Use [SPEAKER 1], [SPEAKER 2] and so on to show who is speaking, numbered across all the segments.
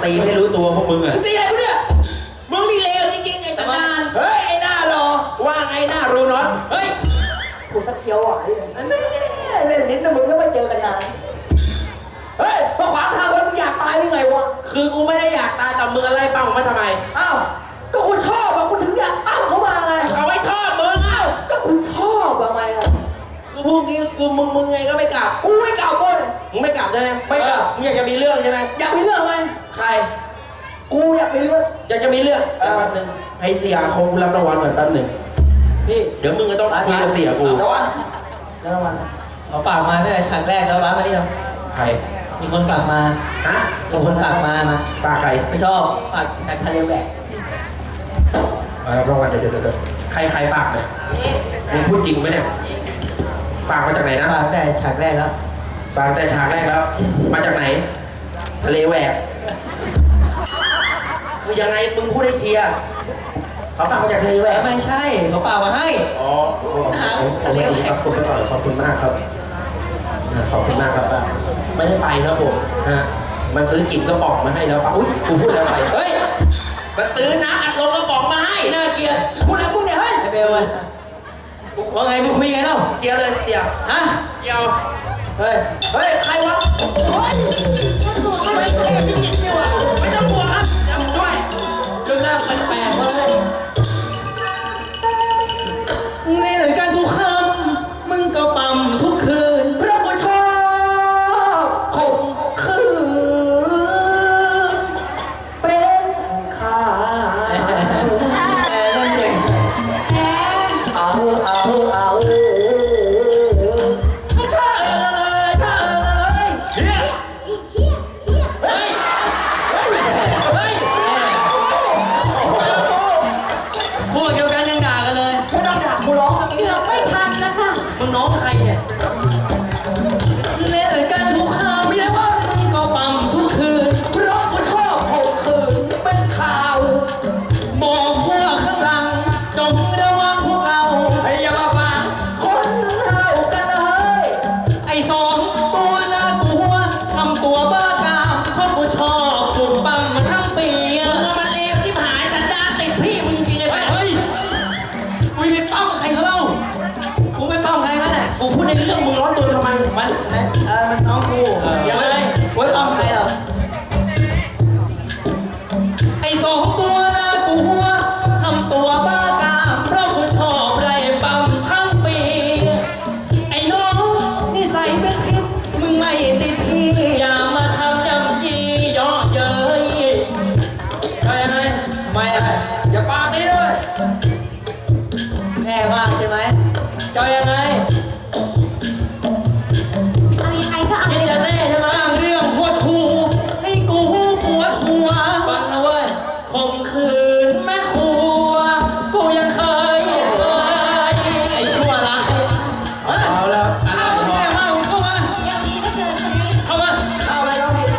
[SPEAKER 1] ตีให้รู้ตัวพวกมึงอ่ะ
[SPEAKER 2] ตีอะไรกูเนี่ย
[SPEAKER 1] มึงนี่เลวจริงๆไอ้ตำนาน
[SPEAKER 2] เฮ้ยไอ้หน้ารอ
[SPEAKER 1] ว่าไงหน้ารู้น็อต
[SPEAKER 2] เฮ้ย
[SPEAKER 3] กูตะเกียวไหวเล่นลิ้นนะมึงก็ไม่เจอกันนานเฮ้ยมาขวางทางรถมึงอยากตายหรือไงวะ
[SPEAKER 1] คือกูไม่ได้อยากตายแต่มึงอะไรปั้มมาทำไม
[SPEAKER 3] อ้าวก็กูชอบอะกูถึงอยากตั้งเขามาไง
[SPEAKER 1] เขาไม่ชอบมึงเอ้า
[SPEAKER 3] ก็กูชอบอะไงอะ
[SPEAKER 1] คือพวกนี้คือมึงไงก็ไม่กลับ
[SPEAKER 3] กูไม่กลับเว้ย
[SPEAKER 1] มึงไม่กลับใช่ไหม
[SPEAKER 3] ไม่กลับ
[SPEAKER 1] มึงอยากจะมีเรื่องใช่ไหม
[SPEAKER 3] อยากมีเรื่องไหม
[SPEAKER 1] ใคร
[SPEAKER 3] กูอยากมีเรื่อง
[SPEAKER 1] อยากจะมีเรื่องแป๊บนึงให้เสียคงรับรางวัลหน่อยแป๊บนึง
[SPEAKER 3] พี่
[SPEAKER 1] เดี๋ยวมึงก็ต้องคุยกับเสียกู
[SPEAKER 3] แล้ววะแล้วรางวัล
[SPEAKER 2] เอาปากมาตั้งแต่ฉากแรกแล้วบ้ามาดิครับ
[SPEAKER 1] ใคร
[SPEAKER 2] มีคนฝากมา
[SPEAKER 1] ฮะ
[SPEAKER 2] มีคนฝากมา
[SPEAKER 1] ฝากใคร
[SPEAKER 2] ไม่ชอบฝากแขกทะเลแหวก
[SPEAKER 1] รับรางวัลเดี๋ยวใครฝากเนี่ยมึงพูดจริงไหมเนี่ยฝากมาจากไหนนะ
[SPEAKER 2] ฝากแต่ฉากแรกแล้ว
[SPEAKER 1] ฝากแต่ฉากแรกแล้วมาจากไหนทะเลแหวกคือยังไงมึงพูดให้เคลียร์เขาฝากมาจากทะเลแหวก
[SPEAKER 2] ไม่ใช่เขาฝากมาให้
[SPEAKER 1] อ๋อทะเลแหวกขอบคุณมากขอบคุณมากครับขอบคุณมากครับไม่ได้ไปครับผมฮะมันซื้อจิ๋มกระป๋องมาให้แล้วป่ะอุ้ยกูพูดแล้วไป
[SPEAKER 2] เฮ้ย
[SPEAKER 1] มันซื้อน้ำอัดลมกระป๋องมาให้
[SPEAKER 2] น่าเกลียด
[SPEAKER 3] พูดอะไรพูดเนี่ยเฮ้ย
[SPEAKER 2] ไอ้เบลว่าไงมึงคุยกันเล่า
[SPEAKER 1] เกี่ยวเลยเกี่ยว
[SPEAKER 2] ฮะ
[SPEAKER 1] เกี่ยว
[SPEAKER 2] เฮ้ย
[SPEAKER 3] ใครวะเฮ้ยไม่
[SPEAKER 1] ต้องกลัวครับจำด้วย
[SPEAKER 2] เรื่องหน้าแปลกๆเลยในหลังการทุกคำมึงก็ปั๊มทุกคืน
[SPEAKER 3] เพราะกูชอบข่มขืนเป็นข่าว
[SPEAKER 2] นั่นเอง
[SPEAKER 3] เอาไม่ใช่เลย
[SPEAKER 2] พวกเดียวกันยังด่ากันเลย
[SPEAKER 3] กูต้องด่ากูร้องเมื่อกี้เราไม่ทันนะคะ
[SPEAKER 2] มึงน้องใครเนี่ยเล่นกันทุกคำเรียกว่ามึงก็ปั๊มทุกคืน
[SPEAKER 3] เพราะกูชอบข่มขืนเป็นข่าว
[SPEAKER 2] บอกพวกข้างหลังจงระวังพวกเรา
[SPEAKER 3] ให้อย่ามาฟังคนเฮากันเลย
[SPEAKER 2] ไอ้สองตัวน่ากลัวทำตัวบ้ากามเพราะกูชอบกูปั๊มมาทั้งปี
[SPEAKER 1] มันเลวที่หายสันดานติดพี่มึงจริงไง
[SPEAKER 2] เฮ้ยกูไปปั๊มใครเขาเล่ากูไปปั๊มใครกันน่ะ
[SPEAKER 1] กูพูดในเรื่องมึงร้อนตัวทำไม
[SPEAKER 2] มันน้องกูอย่าเลยไว้ปั๊มใครเหรอไอ้สองตัวน่ากลัวทำตัวบ้ากามเพราะกูชอบไรปั๊มทั้งปีไอ้น้องนิสัยเป็นทิพย์มึงไม่ติดพี่อย่ามาทำยำยี่เยาะเย้ยเอายังไงไม่อะไร
[SPEAKER 3] อย่าปาดีด้วย
[SPEAKER 2] แน่มากใช่ไหมจะยังไง
[SPEAKER 4] เอายังไงก็เอา
[SPEAKER 2] คิดจะแน่ใช่ไหมเรื่องปวดหูให้กูปวดหัวฟังนะเว้ยข่มขืนแม่ครัวกูยังเคยไอ้ชั่วร้าย
[SPEAKER 1] เอาแล้ว
[SPEAKER 2] เข้ามาเข้ามา
[SPEAKER 4] อย่างนี้ก็เจอคนนี้
[SPEAKER 2] เข้ามา
[SPEAKER 3] เอาอะไรน้องพี่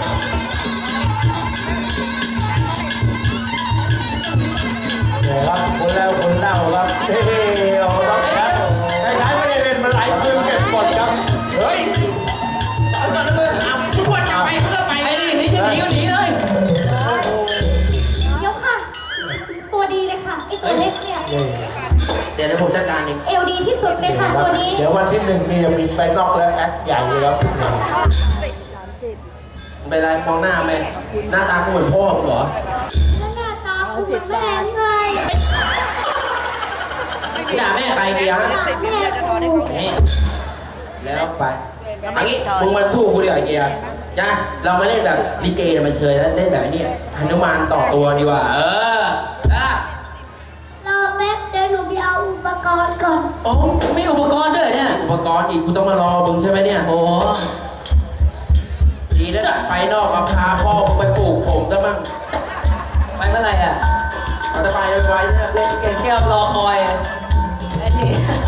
[SPEAKER 3] ครับคนแล้วคนเล่าครับเฮ้ยเอาครับใครไม่ได้เล่นมาหลายคืนเก็บหมดครับเฮ้ยเอาก่อนนะมึงเอาทุกคนจะไปเพื่อไป
[SPEAKER 2] ไอ้นี่จะหนีก็หนีเลย
[SPEAKER 4] เดี๋ยวค่ะ ตัวดีเลยค่ะ ไอตัวเล็กเนี่ย
[SPEAKER 1] เดี๋ยวผมจัดการเอง
[SPEAKER 4] เอวดีที่สุดเลยค่ะตัวนี้
[SPEAKER 3] เดี๋ยววันที่1นี่จะมีไปนอกแล้วแอคใหญ่เลยครับ
[SPEAKER 1] เป็นไรมองหน้าไหมหน้าตากูเหมือนพ่อมึงเหรอ
[SPEAKER 4] แล้วหน้าตากูเหมือนแม่ไง
[SPEAKER 1] ด่าแม่ใครดีฮะ
[SPEAKER 4] แม่กู
[SPEAKER 1] แล้วไปอันนี้มึงมาสู้กูดีกว่าไอ้เกียร์นะเรามาเล่นแบบลิเกเนี่ยมันเชยแล้วเล่นแบบนี้หนุมานต่อตัวดีกว่า
[SPEAKER 4] รอแป๊บเดี๋ยวหนูไปเอาอุปกรณ์ก่อน
[SPEAKER 2] โอ้มีอุปกรณ์ด้วยเนี่ย
[SPEAKER 1] อุปกรณ์อีกกูต้องมารอมึงใช่ไหมเนี่ย
[SPEAKER 2] โอ้
[SPEAKER 1] ดีแล้วไปนอกกับพาพ่อมึงไปปลูกผมซะมั่ง
[SPEAKER 2] ไปเมื่อไหร่อ่ะ
[SPEAKER 1] มันจะไปไวๆเนี่ย
[SPEAKER 2] เล่นเก่งแก้วรอคอยไอ้นี่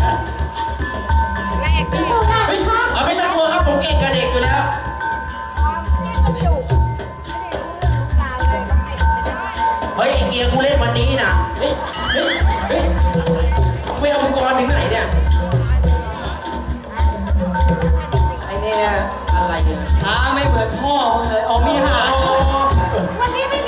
[SPEAKER 4] สู้ได้ไหมคะ
[SPEAKER 1] ไม่ต้องกลัวครับผมเก่งกับเด็กอยู่แล้วเฮ้ยไอ้เกียร์กูเล่นวันนี้นะไม่เอาอุปกรณ์ถึงไหนเนี่ย
[SPEAKER 2] ไอ้เนี่ย
[SPEAKER 1] อะไรเนี่ย
[SPEAKER 2] ไม่เหมือนพ่อเลยเอามีหา
[SPEAKER 4] วันนี้ไม่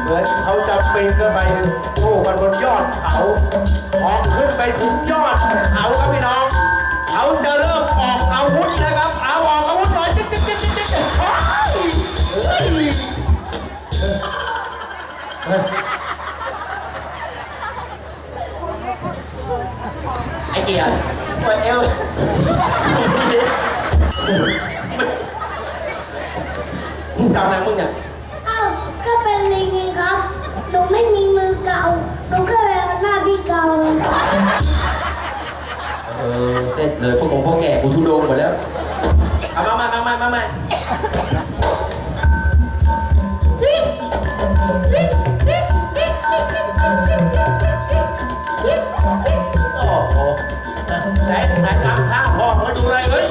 [SPEAKER 3] เหมือนเขาจะปีนขึ้นไปสู้กันบนยอดเขาพอขึ้นไปถึงยอดเขาครับพี่น้องเขาจะเริ่มออกอาวุธนะครับเอาออกอาวุธหน่อยจิ๊กจิ๊กจิ๊กจิ๊กจิ๊กเฮ้ยเฮ้ย
[SPEAKER 2] ไอ้เกียร์ปวดเอว
[SPEAKER 1] มึงทำอะไรมึงเนี่ย
[SPEAKER 5] อ้าวก็เป็นลิงไงครับ หนูไม่มีมือเก่า หนูก็เลยเอาหน้าพี่เก่าเลยครับ
[SPEAKER 1] เสร็จเลยพวกพวกแก่กูทุโดงหมดแล้วเอามา
[SPEAKER 3] โอ้โหไหนตามข้างพ่อมาดูเลยเฮ้ย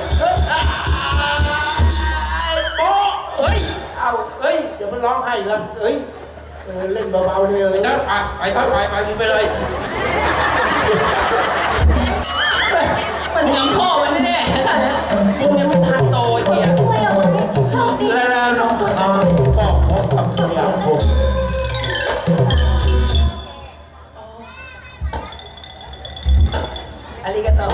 [SPEAKER 3] โป๊ะเฮ้ยเอาเฮ้ยเดี๋ยวมันร้องไห้แล้วเฮ้ยเล่นเบาๆเลย
[SPEAKER 1] ไปครับไปมึงไปเลย
[SPEAKER 2] มันทำพ่อมันแน่ๆมึงเนี่ยมันทันโตไอ้เกียร์
[SPEAKER 4] ช่วยเอาไว้โชคดี
[SPEAKER 3] แล้วน้องก็พบกับสยามผม
[SPEAKER 2] อาริกาโต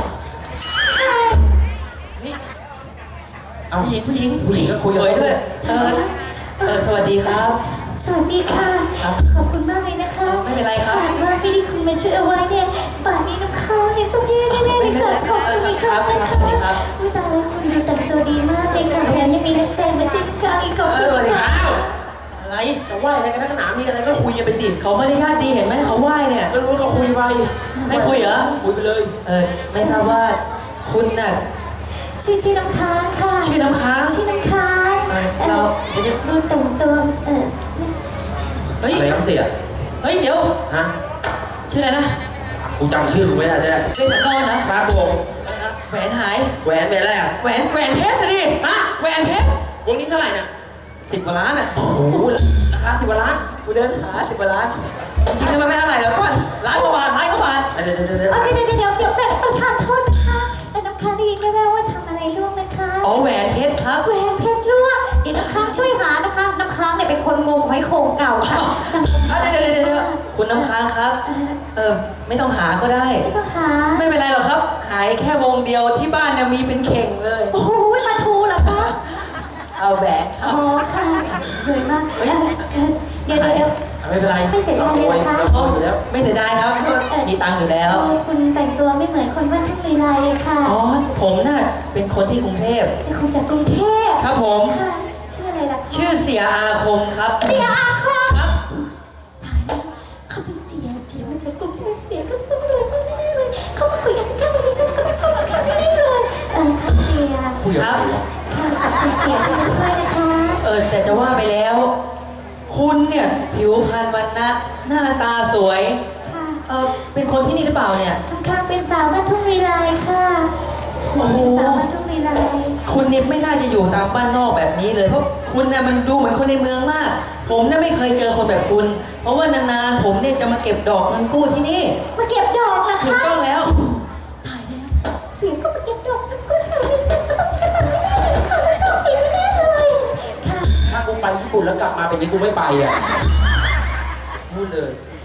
[SPEAKER 2] นี่เอาผู้หญิงก็คุยกับด้วยสวัสดีครับ
[SPEAKER 4] สวัสดีค่ะ
[SPEAKER 2] ครับ
[SPEAKER 4] ขอบคุณมากเลยนะคะ
[SPEAKER 2] ไม่เป็นไรครับ
[SPEAKER 4] หากว่าไม่ได้คุณมาช่วยเอาไว้เนี่ยป่านนี้น้ำค้างเนี่ยต้องแย่แน่ๆเลยค่ะขอบคุณอีกครั้งนะคะอุ๊ยตายแล้วคุณดูแต่งตัวดีมากเลยค่ะแถมยังมีน้ำใจมาช่วยน้ำค้างอีกขอบคุณค่ะ
[SPEAKER 2] อะไร
[SPEAKER 1] จะไหว้อะไรกันนักหนามีอะไรก็คุยกันไปสิ
[SPEAKER 2] เขามารยาทดีเห็นไหมเขาไหว้เนี่ย
[SPEAKER 1] ก็รู้ก็คุยไป
[SPEAKER 2] ไม่คุยเหรอ
[SPEAKER 1] คุยไปเลย
[SPEAKER 2] ไม่ทราบว่าคุณน่ะ
[SPEAKER 4] ชื่อน้ำค้างค่ะ
[SPEAKER 2] ชื่อน้ำค้าง
[SPEAKER 4] ชื่อน้ำค้าง
[SPEAKER 2] เรา
[SPEAKER 4] ดูแต่งตัว
[SPEAKER 2] เฮ้ย
[SPEAKER 1] อะไรครับเสีย
[SPEAKER 2] เฮ้ยเดี๋ยว
[SPEAKER 1] ฮะ
[SPEAKER 2] ชื่ออะไรนะ
[SPEAKER 1] กูจำชื่อกูไม่ได้ใช่ไหม
[SPEAKER 2] เป็นสันดอนเหรอ
[SPEAKER 1] ครับผม
[SPEAKER 2] แหวนหาย
[SPEAKER 1] แหวนเป็นอะไรอ่ะ
[SPEAKER 2] แหวนเพชรนะดิฮะแหวนเพชร
[SPEAKER 1] วงนี้เท่าไหร่เนี่ย
[SPEAKER 2] 10 กว่าล้านอ่ะ
[SPEAKER 1] โอ้โหราคา10 กว่าล้าน
[SPEAKER 2] กูเดินหา10 กว่าล้านจริงๆมันไม่เท่าไหร่หรอกก่อนล้านกว่าบาทล้านกว่าบาท
[SPEAKER 1] เดี๋ยว
[SPEAKER 4] เดี๋ยวประธานโทษนะคะแต่น้ำค้างได้ยินแว่วๆว่าทำอะไรล่วงนะคะ
[SPEAKER 2] อ๋อแหวนเพชรครับ
[SPEAKER 4] แหวนเพชรรั่วเดี๋ยวน้ำค้างช่วยหานะคะ น้ำค้างเนี่ยเป็นคนงมหอยโข่งเก่าค่ะจำเป็น
[SPEAKER 2] เดี๋ยวคุณน้ำค้างครับ ไม่ต้องหาก็ได้
[SPEAKER 4] ไม่ต้องหา
[SPEAKER 2] ไม่เป็นไรหรอกครับ หายแค่วงเดียวที่บ้านเนี่ยมีเป็นเข่งเลย
[SPEAKER 4] โอ้โหมาทูเหรอคะ
[SPEAKER 2] เอาแหวนค
[SPEAKER 4] อ๋
[SPEAKER 2] รั
[SPEAKER 4] อบ ค่ะเลยมากเดี๋ยว
[SPEAKER 1] ไม่เป็นไร
[SPEAKER 4] ไม่เสียดายเลยนะคะ
[SPEAKER 1] เราอยู่แล้ว
[SPEAKER 2] ไม่เสียดายครับ มีตังค์อยู่แล้ว
[SPEAKER 4] คุณแต่งตัวไม่เหมือนคนบ้านทุ่งลีลาเลยค่ะ
[SPEAKER 2] อ๋อ ผมน่ะเป็นคนที่กรุงเทพ
[SPEAKER 4] เป็นคนจากกรุงเทพ
[SPEAKER 2] ครับผม
[SPEAKER 4] ค่ะชื่ออะไรล่ะคะ
[SPEAKER 2] ชื่อเสียอาคมครับ
[SPEAKER 4] เสียอาคม
[SPEAKER 2] ครับ
[SPEAKER 4] ตายแล้วเขาเป็นเสียมาจากกรุงเทพเสียก็ต้องรวยมากแน่ๆเลยเขามาคุยกันแค่ตรงนี้ฉันก็ต้องชอบเขาแน่ๆเลยค่ะเสีย
[SPEAKER 1] คุยกับ
[SPEAKER 2] ครับ
[SPEAKER 1] ใครวะ
[SPEAKER 4] ค่ะขอบคุณเสียที่มาช่วยนะคะ
[SPEAKER 2] แต่จะว่าไปแล้ว คุณเนี่ยผิวพรรณวรรณะหน้าตาสวย
[SPEAKER 4] ค่ะ
[SPEAKER 2] เป็นคนที่นี่หรือเปล่าเนี่ย
[SPEAKER 4] น้ำค้างเป็นสาวบ้านทุ่งลีลาค่ะ
[SPEAKER 2] โอ้โห
[SPEAKER 4] สาวบ้านทุ่งลีลา
[SPEAKER 2] คุณเนี่ยไม่น่าจะอยู่ตามบ้านนอกแบบนี้เลย เพราะคุณน่ะมันดูเหมือนคนในเมืองมาก ผมน่ะไม่เคยเจอคนแบบคุณ เพราะว่านานๆผมเนี่ยจะมาเก็บดอกเงินกู้ที่นี่
[SPEAKER 4] มาเก็บดอกเหรอ
[SPEAKER 2] ถูก
[SPEAKER 4] คะ
[SPEAKER 2] ต้องแล้ว
[SPEAKER 4] ตายแล้วเสียก็มาเก็บดอกก็แถวนี้เสียก็ต้องกระตันไม่ได้เลยค่ะและโชคดีแน่ๆเลยค่ะ
[SPEAKER 1] ถ้ากูไปญี่ปุ่นแล้วกลับมาเป็นนี้กูไม่ไปอ่ะพูดเลย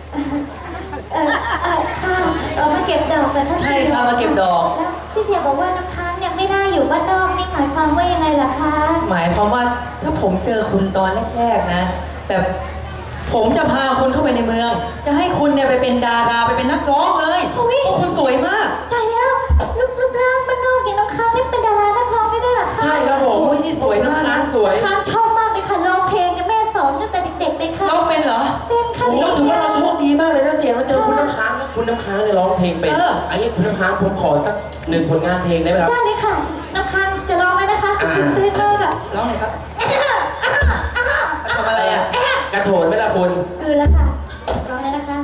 [SPEAKER 4] ค่ะมาเก็บดอกเหรอคะ
[SPEAKER 2] ใช่ครับมาเก็บดอก
[SPEAKER 4] แล้วที่เสียบอกว่าน้ำค้างเนี่ยไม่ได้อยู่บ้านนอกนี่หมายความว่ายังไงล่ะคะ
[SPEAKER 2] หมายความว่าถ้าผมเจอคุณตอนแรกๆนะแต่ผมจะพาคุณเข้าไปในเมือง จะให้คุณเนี่ยไปเป็นดาราไปเป็นนักร้องเลยเพราะคุณสวยมาก
[SPEAKER 4] ตายแล้วรูปร่างบ้านนอกอย่างน้ำค้างนี่เป็นดารานักร้องได้ด้วยเหรอคะ
[SPEAKER 1] ใช่ครับผม
[SPEAKER 2] โอ้ยนี่สวยมากนะ
[SPEAKER 1] สวย
[SPEAKER 4] ค้างชอบมากเลยค่ะร้องเพลงเนี่ยแม่สอนตั้งแต่เด็กๆเลยค่ะ
[SPEAKER 2] ร้องเป็นเหรอ
[SPEAKER 4] เป็นค่ะ
[SPEAKER 1] โอ้โหถือว่าเราโชคดีมากเลยนะเสียมาเจอคุณน้ำค้างแล้วคุณน้ำค้างเนี่ยร้องเพลงเป็น อันนี้คุณน้ำค้างผมขอสัก1 ผลงานเพลงได้ไหมครับ
[SPEAKER 4] ได้เลยค่ะน้ำค้างจะร้องไหมนะคะตื่นเต้นมากอะ
[SPEAKER 2] ร้องเลยครับทำอะไรอ่ะ
[SPEAKER 1] กระโถนไหมล่ะคุณ
[SPEAKER 4] คือแล้วค่ะร้องเลยนะคะ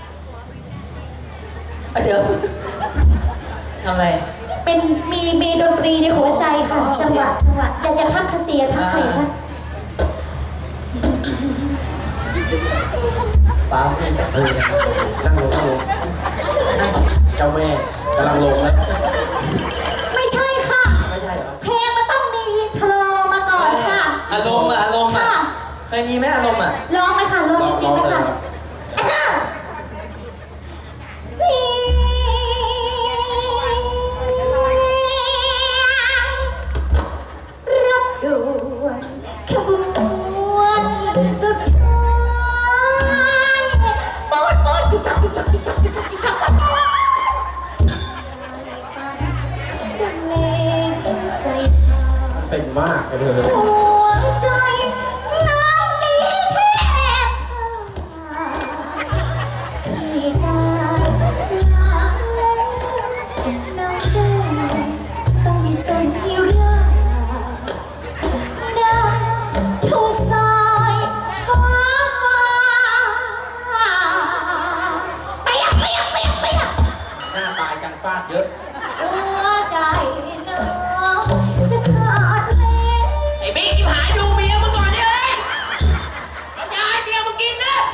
[SPEAKER 2] เดี๋ยวทำอะไร
[SPEAKER 4] เป็นมีดนตรีในหัวใจค่ะ
[SPEAKER 2] อ๋อ
[SPEAKER 4] จังหวะอย่าทักคาเซียทักใครคะ
[SPEAKER 2] ปาพี่จะ
[SPEAKER 1] นั่งลงเจ้าแม่กำลังลงแล้ว
[SPEAKER 4] ไม่ใช่ค่ะ
[SPEAKER 1] ไม่ใช่เหรอ
[SPEAKER 4] เพลงมันต้องมีอินโทรมาก่อนค่ะ
[SPEAKER 2] อารมณ์อ่ะ
[SPEAKER 4] ค่ะ
[SPEAKER 2] เคยมีไหมอารมณ์อ่ะ
[SPEAKER 4] ร้องไหมค่ะร้อง
[SPEAKER 1] มากเลย
[SPEAKER 4] หัวใจน้ำนี้แทบขาดพี่จะลาแล้วน้ำใจต้องจนที่รักดังถูกสายฟ้าเปียก
[SPEAKER 1] หน้าตายกันฟาดเยอะ
[SPEAKER 4] หัวใจน้องจะขาดแล้ว
[SPEAKER 2] ไอ้บิ๊กที่หายดูเมียมึงก่อนเนี่ยเฮ้ยเอายาให้เมียมึงกินนะ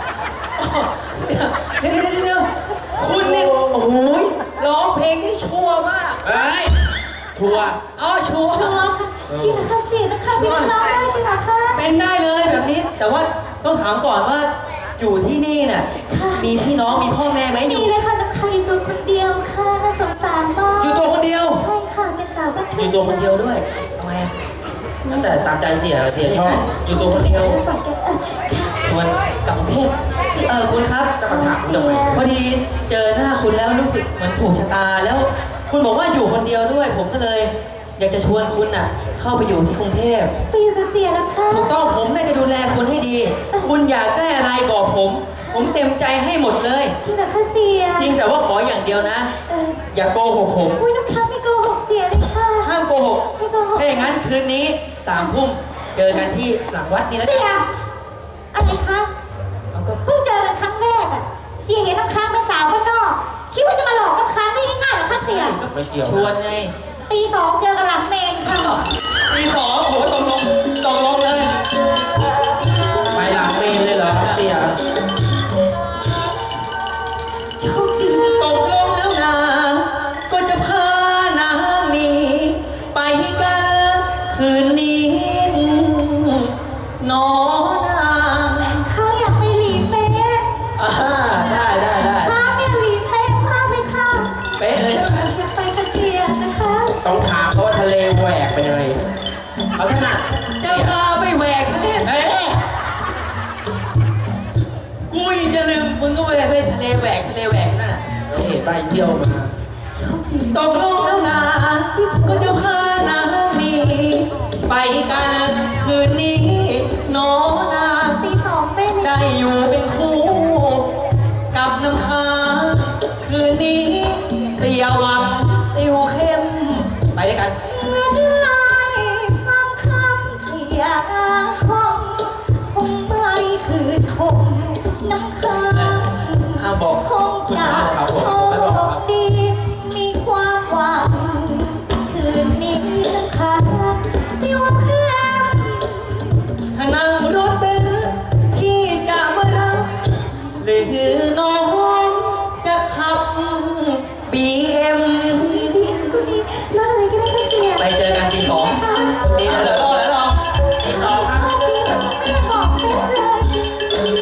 [SPEAKER 2] เดี๋ยวคุณเนี่ยโอ้โหร้องเพลงนี่ชั่วมาก
[SPEAKER 1] เฮ้ย ทัวร์
[SPEAKER 2] อ๋อชั่ว
[SPEAKER 4] ชัวร์ค่ะจริงเหรอคะเสียนะคะพี่น้องได้จริงเหรอคะ
[SPEAKER 2] เป็นได้เลยแบบนี้ แต่ว่าต้องถามก่อนว่าอยู่ที่นี่น่ะ
[SPEAKER 4] ค่ะ
[SPEAKER 2] มีพี่น้องมีพ่อแม่ไหมอ
[SPEAKER 4] มี
[SPEAKER 2] ยู่
[SPEAKER 4] เลยค่ะน้ำค้างอยู่ตัวคนเดียวค่ะน่าสงสารมาก
[SPEAKER 2] อยู่ตัวคนเดียว
[SPEAKER 4] ใช่ค่ะเป็นสาวบ้านทุ่ง
[SPEAKER 2] อยู่ตัวคนเดียวด้วยทำไมอะ
[SPEAKER 1] ตั้งแต่ตามใจเสียชอบ
[SPEAKER 2] อยู่ตัวคนเดียว
[SPEAKER 4] ปากแกค่ะ
[SPEAKER 2] ส่วนกลับกรุงเทพคุณครับ
[SPEAKER 1] จะมาถามคุณทำไม
[SPEAKER 2] พอดีเจอหน้าคุณแล้วรู้สึกเหมือนถูกชะตาแล้ว คุณบอกว่าอยู่คนเดียวด้วย ผมก็เลย อยากจะชวนคุณน่ะ เข้าไปอยู่ที่กรุงเทพ
[SPEAKER 4] ไปอยู่กับเสียแล้วค่ะ
[SPEAKER 2] ถูกต้องผมน่าจะดูแลคุณให้ดี คุณอยากได้อะไรบอกผม ผมเต็มใจให้หมดเลย
[SPEAKER 4] จริงเหรอคะเสีย
[SPEAKER 2] จริงแต่ว่าขออย่างเดียวนะ อย่าโกหกผม
[SPEAKER 4] อุ้ยน้ำค้างไม่โกหกเสียเลยค่ะ
[SPEAKER 2] ห้ามโกหก
[SPEAKER 4] ไม่โกหก
[SPEAKER 2] ถ้าอย่างนั้นคืนนี้3 ทุ่มเจอกันที่หลังวัดนี่นะ
[SPEAKER 4] เสียอะไรคะ
[SPEAKER 2] เอาก็
[SPEAKER 4] เพิ่งเจอกันครั้งแรกอะเสียเห็นน้ำค้างเป็นสาวบ้านนอกคิดว่าจะมาหลอกน้ำค้างได้ง่ายๆเหรอคะเสีย
[SPEAKER 1] ไม่เกี่ยว
[SPEAKER 2] ชวนไง
[SPEAKER 4] ตีสองเจอกันหลังเมนค่ะ
[SPEAKER 2] ตี2โหตกลงเลย
[SPEAKER 1] ไปหลังเมนเลยเหรอเสีย
[SPEAKER 4] โชคดี
[SPEAKER 2] ตกลงแล้วนะก็จะพานามีไปกันคืนนี้น้องนาง
[SPEAKER 4] เขาอยากไปหลีเป๊ะ
[SPEAKER 2] อ่าได้
[SPEAKER 4] ค้างเนี่ยหลีเป๊ะมากเลยค่ะ
[SPEAKER 2] เป๊ะเลย
[SPEAKER 4] อยากไปกับเสียนะคะ
[SPEAKER 1] ต้องถามเขาว่าทะเลแหวกเป็นยังไงเขาถนัด
[SPEAKER 2] จะพาไปแหวกทะเล
[SPEAKER 1] เอ้ย
[SPEAKER 2] กูยังจะลืมมึงก็ไปทะเลแหวกนั่นน่ะ
[SPEAKER 1] นี่ไปเที่ยวมา
[SPEAKER 4] โชคดี
[SPEAKER 2] ตกลงแล้วนะก็จะพานามีไปกันคืนนี้น้องนาง
[SPEAKER 4] ตีสองเป๊ะเลย
[SPEAKER 2] ได้อยู่เป็นคู่กับน้ำค้างคืนนี้เสียหวังติวเข้มไปด้วยกัน
[SPEAKER 4] เมื่อได้ฟังคำเสียคงไม่คืนคงน้ำค้าง
[SPEAKER 1] ห้ามบอก
[SPEAKER 4] คง
[SPEAKER 1] คุณ
[SPEAKER 4] จะ
[SPEAKER 1] ห้ามเขา
[SPEAKER 4] โช
[SPEAKER 1] บอกไม่บอกค
[SPEAKER 4] ครับ ดี มีความหวัง คืนนี้น้ำค้างติวเข้ม
[SPEAKER 2] ถ้านั่งรถเบนซ์ที่จะมารับหรือน้องจะขับ BM
[SPEAKER 4] ดีคุณดีรถอะไรก็ได้ค่ะเสีย
[SPEAKER 2] ไปเจอกันตี 2
[SPEAKER 4] ค่ะ
[SPEAKER 2] นี่นะเลย